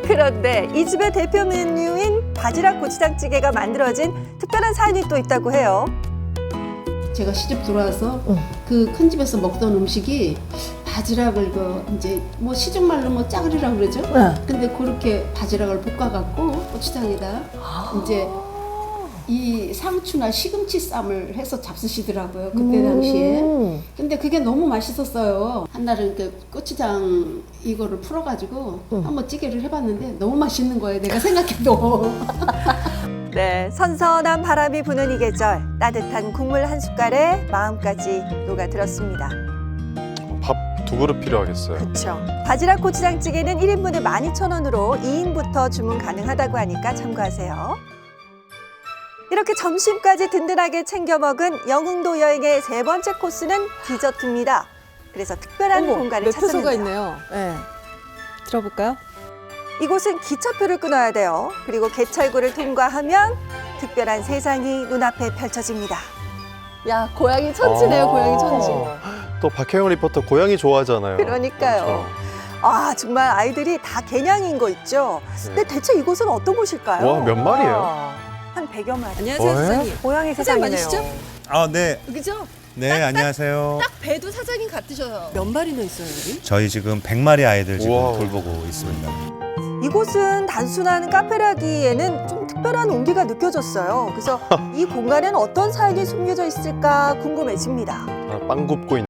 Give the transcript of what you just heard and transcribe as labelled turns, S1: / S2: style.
S1: 그런데 이 집의 대표 메뉴인 바지락 고추장찌개가 만들어진 특별한 사연이 또 있다고 해요.
S2: 제가 시집 들어와서 그 큰 집에서 먹던 음식이 바지락을 이제 뭐 시중말로 뭐 짜글이라고 그러죠. 근데 그렇게 바지락을 볶아갖고 고추장에다 이제 이 상추나 시금치 쌈을 해서 잡수시더라고요. 그때 당시에. 근데 그게 너무 맛있었어요. 한날은 그 고추장 이거를 풀어가지고 한번 찌개를 해봤는데 너무 맛있는 거예요. 내가 생각해도.
S1: 네, 선선한 바람이 부는 이 계절 따뜻한 국물 한 숟갈에 마음까지 녹아들었습니다.
S3: 밥 2그릇 필요하겠어요.
S1: 그렇죠. 바지락 고추장찌개는 1인분에 12,000원으로 2인부터 주문 가능하다고 하니까 참고하세요. 이렇게 점심까지 든든하게 챙겨 먹은 영흥도 여행의 3번째 코스는 디저트입니다. 그래서 특별한 공간을
S4: 매표소가
S1: 찾았는데요.
S4: 있네요. 네. 들어볼까요?
S1: 이곳은 기차표를 끊어야 돼요. 그리고 개찰구를 통과하면 특별한 세상이 눈앞에 펼쳐집니다.
S4: 야, 고양이 천지네요, 고양이 천지.
S3: 또 박혜영 리포터 고양이 좋아하잖아요.
S1: 그러니까요.
S3: 그렇죠.
S1: 아, 정말 아이들이 다 개냥인 거 있죠? 근데 대체 이곳은 어떤 곳일까요?
S3: 와, 몇 마리예요?
S1: 한 100여 마리.
S4: 안녕하세요,
S3: 왜?
S4: 사장님.
S1: 고양이
S4: 사장님
S1: 세상이네요.
S4: 맞으시죠?
S5: 아, 네.
S4: 그죠?
S5: 네, 안녕하세요.
S4: 딱 배도 사장님 같으셔요. 몇 마리나 있어요, 여기?
S5: 저희 지금 100마리 아이들 지금
S3: 우와.
S5: 돌보고 있습니다.
S1: 이곳은 단순한 카페라기에는 좀 특별한 온기가 느껴졌어요. 그래서 이 공간에는 어떤 사연이 숨겨져 있을까 궁금해집니다.
S3: 아, 빵 굽고 있는